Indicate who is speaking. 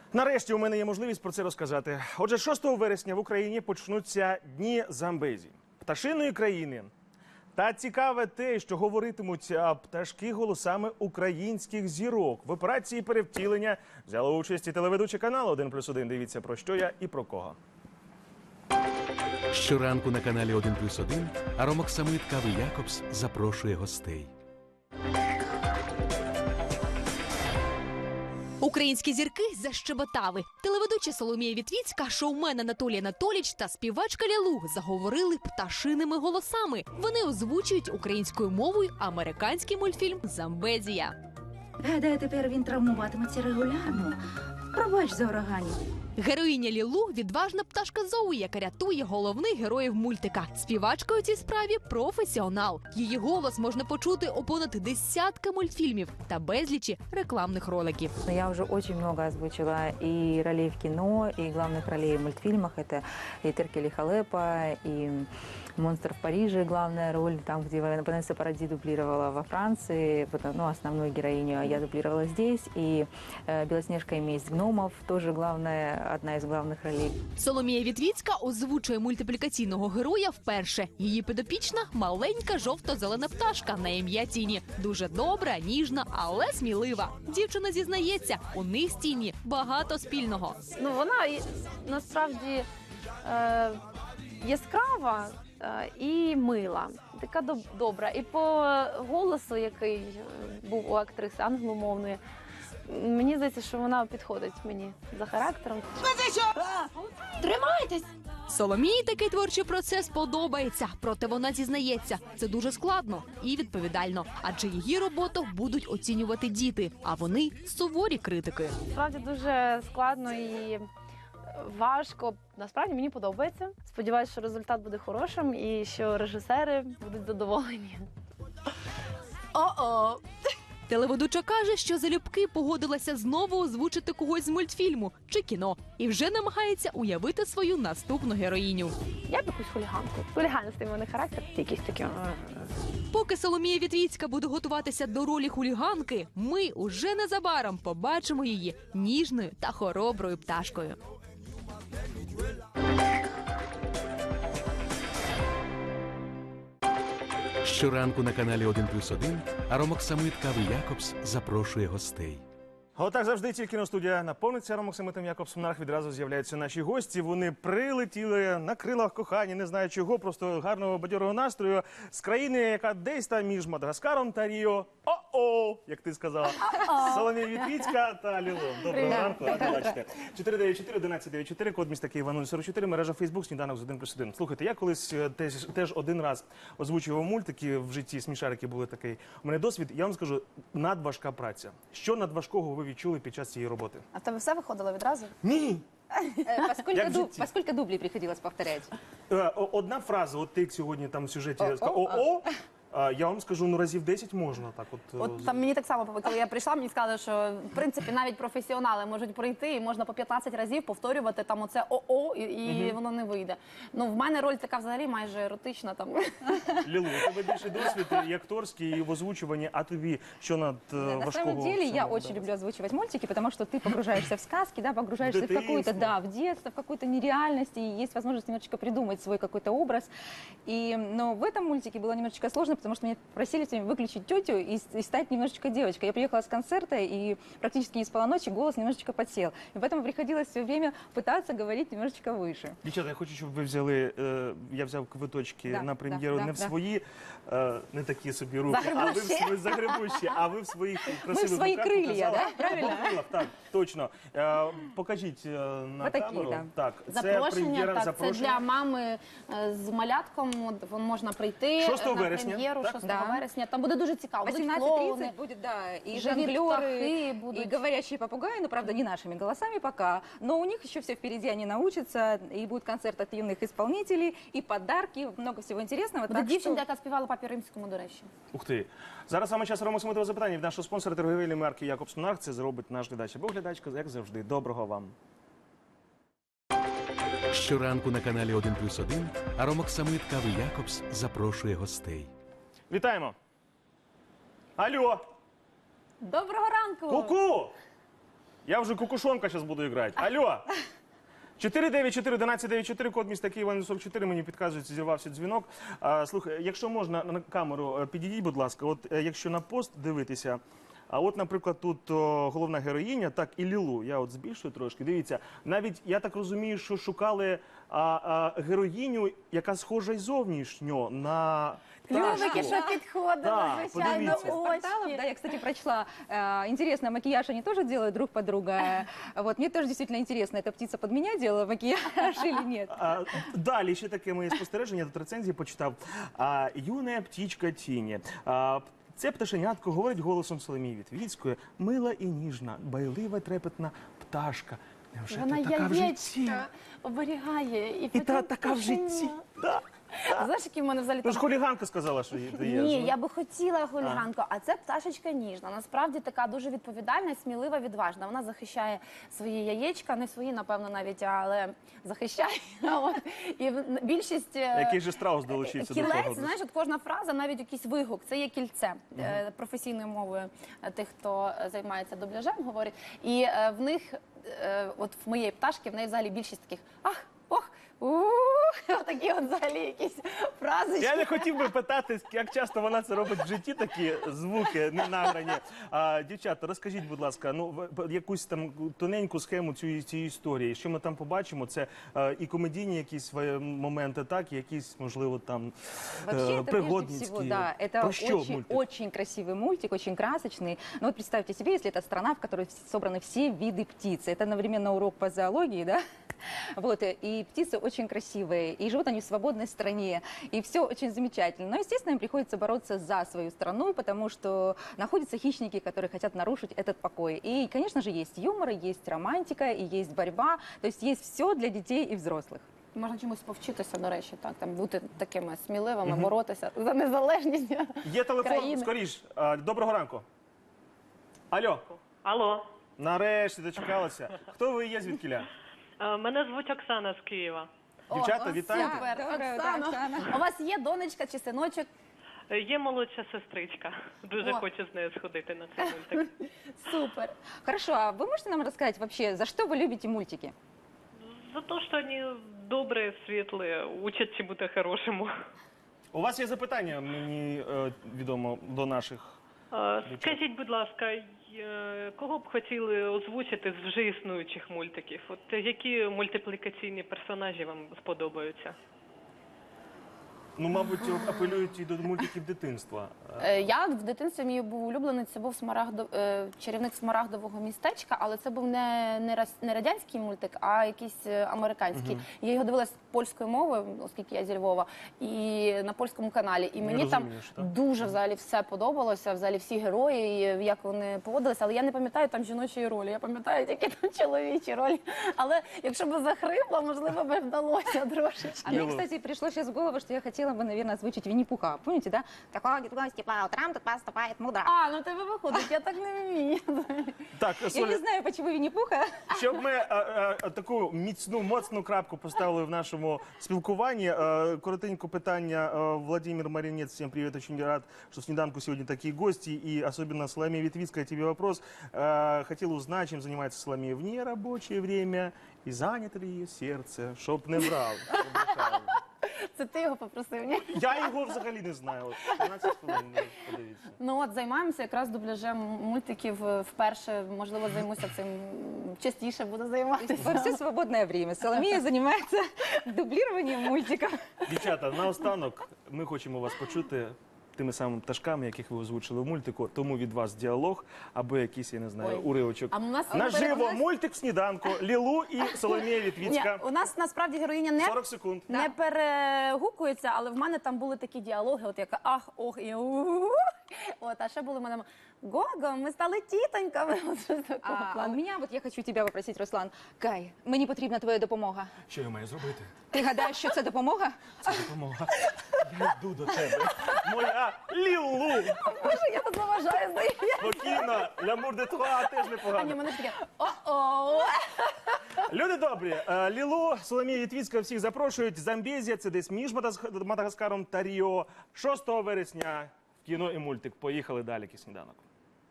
Speaker 1: Нарешті у мене є можливість про це розказати. Отже, 6 вересня в Україні почнуться Дні Замбезі, пташиної країни. Та цікаве те, що говоритимуть пташки голосами українських зірок. В операції перевтілення взяла участь і телеведучі каналу 1+1. Дивіться, про що я і про кого.
Speaker 2: Щоранку на каналі 1+1 аромоксамит кави Якобс запрошує гостей.
Speaker 3: Українські зірки защебетали. Телеведуча Соломія Вітвіцька, шоумен Анатолій Анатолійович та співачка Лілу заговорили пташиними голосами. Вони озвучують українською мовою американський мультфільм «Замбезія».
Speaker 4: Гадаю, тепер він травмуватиметься регулярно. Пробач за ураганів.
Speaker 3: Героїня Лілу – відважна пташка Зоуї, яка рятує головних героїв мультика. Співачка у цій справі – професіонал. Її голос можна почути у понад десятка мультфільмів та безлічі рекламних роликів.
Speaker 5: Я уже очень много озвучила и ролей в кино, и главных ролей в мультфильмах. Это и Теркель Халепа, и «Монстр в Париже», главная роль, там, где Ванесса Паради дублировала во Франции, основную героиню я дублировала здесь. И «Белоснежка и месть гномов» тоже одна из главных ролей.
Speaker 3: Соломія Вітвіцька озвучує мультиплікаційного героя вперше. Її підопічна – маленька жовто-зелена пташка на ім'я Тіні. Дуже добра, ніжна, але смілива. Дівчина зізнається, у них з Тіні багато спільного.
Speaker 6: Вона насправді яскрава і мила, така добра. І по голосу, який був у актриси англомовної, мені здається, що вона підходить мені за характером. Тримайтесь!
Speaker 3: Соломії такий творчий процес подобається, проте вона зізнається, це дуже складно і відповідально, адже її роботу будуть оцінювати діти, а вони – суворі критики.
Speaker 6: Справді дуже складно і важко. Насправді мені подобається. Сподіваюся, що результат буде хорошим і що режисери будуть задоволені.
Speaker 3: О-о! Телеведуча каже, що залюбки погодилася знову озвучити когось з мультфільму чи кіно і вже намагається уявити свою наступну героїню.
Speaker 6: Я б якусь хуліганку. Хуліганистий в мене характер, якийсь такий.
Speaker 3: Поки Соломія Вітвіцька буде готуватися до ролі хуліганки, ми уже незабаром побачимо її ніжною та хороброю пташкою.
Speaker 2: Щоранку на каналі 1+1 аромоксамит кави Якобс запрошує гостей.
Speaker 1: Отак завжди тільки на студія наповниться аромоксамитом Якобсом Нарх. Відразу з'являються наші гості. Вони прилетіли на крилах кохання, не знаю чого, просто гарного бадьорого настрою з країни, яка десь там між Мадагаскаром та Ріо. О-о, як ти сказала. Соломія Вітвіцька та Лілу. Доброго ранку. Бачите. 494-1194, код міста Києва 044, мережа Фейсбук, сніданок з 1+1. Слухайте, я колись теж один раз озвучував мультики в житті, смішарики були такий. У мене досвід, я вам скажу, надважка праця. Що надважкого ви відчули під час цієї роботи?
Speaker 7: А в тебе все виходило відразу?
Speaker 1: Ні.
Speaker 7: По скільки дублей приходилось повторяти?
Speaker 1: Одна фраза, от ти сьогодні там в сюжеті сказав «о-о», я вам скажу, разів 10 можна так от.
Speaker 7: От там мені так само, коли я прийшла, мені сказали, що в принципі навіть професіонали можуть прийти і можна по 15 разів повторювати там оце «о-о» і воно не вийде. Ну, в мене роль така взагалі майже еротична там.
Speaker 1: Лілу, у тебе більше досвід і акторський, і в озвучуванні, а тобі що надважкого?
Speaker 8: На самом деле я очень люблю озвучивать мультики, потому что ты погружаешься в сказки, да, погружаешься в какую-то, да, в детство, в какую-то нереальность, и есть возможность немножечко придумать свой какой-то образ. Но в этом мультике было немножечко сложно, потому что меня просили сегодня выключить тетю и стать немножечко девочкой. Я приехала с концерта и практически не спала ночи, голос немножечко подсел. И поэтому приходилось все время пытаться говорить немножечко выше.
Speaker 1: Дівчата, я хочу, щоб ви взяли, я взяв квиточки на прем'єру не в свої, не такі собі руки, а ви в свої загребущі, а ви в своїх красивих
Speaker 8: свої
Speaker 1: руках
Speaker 8: крилля,
Speaker 1: показали.
Speaker 8: да? Правильно?
Speaker 1: Так, точно. Покажіть на камеру. Так,
Speaker 7: Запрошення, так, це для мами з малятком, можна прийти
Speaker 1: 6
Speaker 7: на
Speaker 1: вересня,
Speaker 7: прем'єру 6
Speaker 8: Да.
Speaker 7: вересня. Там буде дуже цікаво. Будуть
Speaker 8: 18:30
Speaker 7: клоуни,
Speaker 8: будет, да, и
Speaker 7: живі птахи
Speaker 8: жонглеры,
Speaker 7: будуть.
Speaker 8: и говорящие попугаи, но, правда, не нашими голосами пока. Но у них еще все впереди, они научатся, и будет концерт от юных исполнителей, и подарки, много всего интересного.
Speaker 7: Буде
Speaker 8: Так
Speaker 7: дівчинка, яка співала Папі Римському, до речі.
Speaker 1: Ух ти. Зараз саме час аромоксамитового запитання від нашого спонсора торговельної марки Якобс Нарх. Це зробить наш глядач або глядачка, як завжди. Доброго вам.
Speaker 2: Щоранку на каналі 1+1 аромоксамит кави Якобс запрошує гостей.
Speaker 1: Вітаємо. Алло.
Speaker 7: Доброго ранку!
Speaker 1: Ку-ку! Я вже кукушонка зараз буду грати. Алло! 494-1194, код міста Києва 44, мені підказують, зірвався дзвінок. Слухай, якщо можна, на камеру підійдіть, будь ласка, от якщо на пост дивитися, а от, наприклад, тут головна героїня, так, і Лілу, я от збільшую трошки, дивіться, навіть, я так розумію, що шукали героїню, яка схожа й зовнішньо на
Speaker 7: Клювики,
Speaker 1: пташку.
Speaker 7: що підходили,
Speaker 1: Да,
Speaker 7: звичайно,
Speaker 1: подивіться.
Speaker 8: Порталов,
Speaker 7: очі.
Speaker 8: да, я, кстати, прочла. Интересно, макияж они тоже делают друг под друга. Вот, мне тоже действительно интересно, эта птица под меня делала макияж или нет?
Speaker 1: Далі ще таке моє спостереження, тут рецензії почитав. Юна птічка Тіні. Це пташенятко говорить голосом Соломії Вітвіцької. Мила і ніжна, байлива, трепетна пташка. Невже
Speaker 7: Вона
Speaker 1: ти така в житті?
Speaker 7: яєчка оберігає.
Speaker 1: І
Speaker 7: потім
Speaker 1: та така в житті.
Speaker 7: пташеня.
Speaker 1: Да.
Speaker 7: Знаєш, які в мене взагалі
Speaker 1: Ну
Speaker 7: там...
Speaker 1: ж хуліганка сказала, що є.
Speaker 7: Ні, я би хотіла хуліганку, а це пташечка ніжна. Насправді така дуже відповідальна, смілива, відважна. Вона захищає свої яєчка, не свої, напевно, навіть, але захищає. От. І більшість
Speaker 1: Який же страус долучився до
Speaker 7: кілець,
Speaker 1: того?
Speaker 7: знаєш, от кожна фраза, навіть якийсь вигук, це є кільце професійною мовою тих, хто займається дубляжем, говорить. І в них, от в моєї пташки, в неї взагалі більшість таких ах, ох, такі от взагалі якісь фразочки.
Speaker 1: Я не хотів би питати, як часто вона це робить в житті, такі звуки ненаграні. Дівчата, розкажіть, будь ласка, ну якусь там тоненьку схему цієї історії. Що ми там побачимо? Це і комедійні якісь моменти, так, і якісь, можливо, там
Speaker 8: Вообще, это прежде
Speaker 1: пригодницькі.
Speaker 8: всего, да, это
Speaker 1: Про що
Speaker 8: очень,
Speaker 1: мультик?
Speaker 8: очень красивый мультик, очень красочный. Но вот представьте себе, если это страна, в которой собраны все виды птиц. Это одновременно урок по зоологии, да? Вот, и птицы очень красивые, и живут они в свободной стране, и все очень замечательно. Но, естественно, им приходится бороться за свою страну, потому что находятся хищники, которые хотят нарушить этот покой. И, конечно же, есть юмор, есть романтика, и есть борьба, то есть есть все для детей и взрослых.
Speaker 7: Можна чомусь повчитися, до речі, так, там бути такими сміливими, боротися за незалежність
Speaker 1: Є телефон,
Speaker 7: країни.
Speaker 1: скоріш. Доброго ранку. Алло.
Speaker 9: Алло,
Speaker 1: Нарешті дочекалася. Хто ви є, звідкіля?
Speaker 9: мене звуть Оксана з Києва.
Speaker 1: Дівчата, вітаю.
Speaker 7: Супер,
Speaker 8: Доброе утро,
Speaker 7: Оксано.
Speaker 8: Оксана.
Speaker 7: У вас є донечка чи синочок?
Speaker 9: Є молодша сестричка. Дуже
Speaker 7: О.
Speaker 9: хочу з нею сходити на цей мультик.
Speaker 7: Супер.
Speaker 8: Хорошо, а вы можете нам рассказать вообще, за что вы любите мультики?
Speaker 9: За те, що вони добрі, світлі, учать чому-то хорошому.
Speaker 1: У вас є запитання, мені відомо, до наших.
Speaker 9: Скажіть, будь ласка, кого б хотіли озвучити з вже існуючих мультиків? От які мультиплікаційні персонажі вам сподобаються?
Speaker 1: Ну, мабуть, апелюють і до мультиків дитинства.
Speaker 7: Я в дитинстві мій був улюблений, це був чарівник Смарагдового містечка, але це був не радянський мультик, а якийсь американський. Я його дивилась польською мовою, оскільки я зі Львова, і на польському каналі. І мені там
Speaker 1: розумієш, так?
Speaker 7: дуже взагалі все подобалося, взагалі всі герої, і як вони поводилися. Але я не пам'ятаю там жіночої ролі, я пам'ятаю тільки там чоловічі ролі. Але якщо б захрипла, можливо, би вдалося трошечки.
Speaker 8: А мне, кстати, пришло сейчас в голову, что я хотела бы, наверное, озвучить Винни-Пуха. Помните, да? Такого гости по утрам тут поступает мудро.
Speaker 7: Ну тебе виходить, я так не вмію.
Speaker 1: Так,
Speaker 8: Я
Speaker 1: Соля,
Speaker 8: не знаю, почему Винни-Пуха.
Speaker 1: щоб ми таку міцну, моцну крапку поставили в нашому спілкуванні. Коротенько питання. Владимир Маринец, всем привет, очень рад, что в «Снеданку» сегодня такие гости, и особенно Соломея Витвицкая, тебе вопрос. Хотел узнать, чем занимается Соломея в нерабочее время, и занято ли ее сердце, чтоб не врал.
Speaker 7: Це ти його попросив, ні?
Speaker 1: Я його взагалі не знаю. От 15 хвилин, подивіться.
Speaker 7: Ну от займаємося якраз дубляжем мультиків вперше. Можливо, займуся цим частіше, буду займатися.
Speaker 8: Во все свободное время Соломея занимается дублированием мультиков.
Speaker 1: Дівчата, наостанок ми хочемо вас почути тими самими пташками, яких ви озвучили в мультику. Тому від вас діалог або якийсь, я не знаю,
Speaker 7: Ой.
Speaker 1: уривочок.
Speaker 7: А у нас
Speaker 1: Наживо мультик в «Сніданку». Лілу і Соломія
Speaker 7: Ні,
Speaker 1: Вітвіцька.
Speaker 7: у нас насправді героїня не
Speaker 1: 40 секунд.
Speaker 7: не перегукується, але в мене там були такі діалоги, от яка ах, ох і у. От, а ще були в мене Гого, ми стали тітоньками. От щось такого
Speaker 8: А у
Speaker 7: плану.
Speaker 8: меня, вот я хочу тебя попросить, Руслан. Кай, мені потрібна твоя допомога.
Speaker 1: Що я маю зробити?
Speaker 8: Ти гадаєш, що це допомога?
Speaker 1: Це допомога. Я йду до тебе. Моя Лілу.
Speaker 7: Боже, я тут заважаю, здається.
Speaker 1: Спокійно. L'amour de toi теж
Speaker 7: А ні,
Speaker 1: непогано.
Speaker 7: мене ж таке о-о.
Speaker 1: Люди добрі, Лілу, Соломія Вітвіцька всіх запрошують. Замбезія, це десь між Мадагаскаром та Ріо. 6 вересня в кіно і мультик. Поїхали далі, «Сніданок».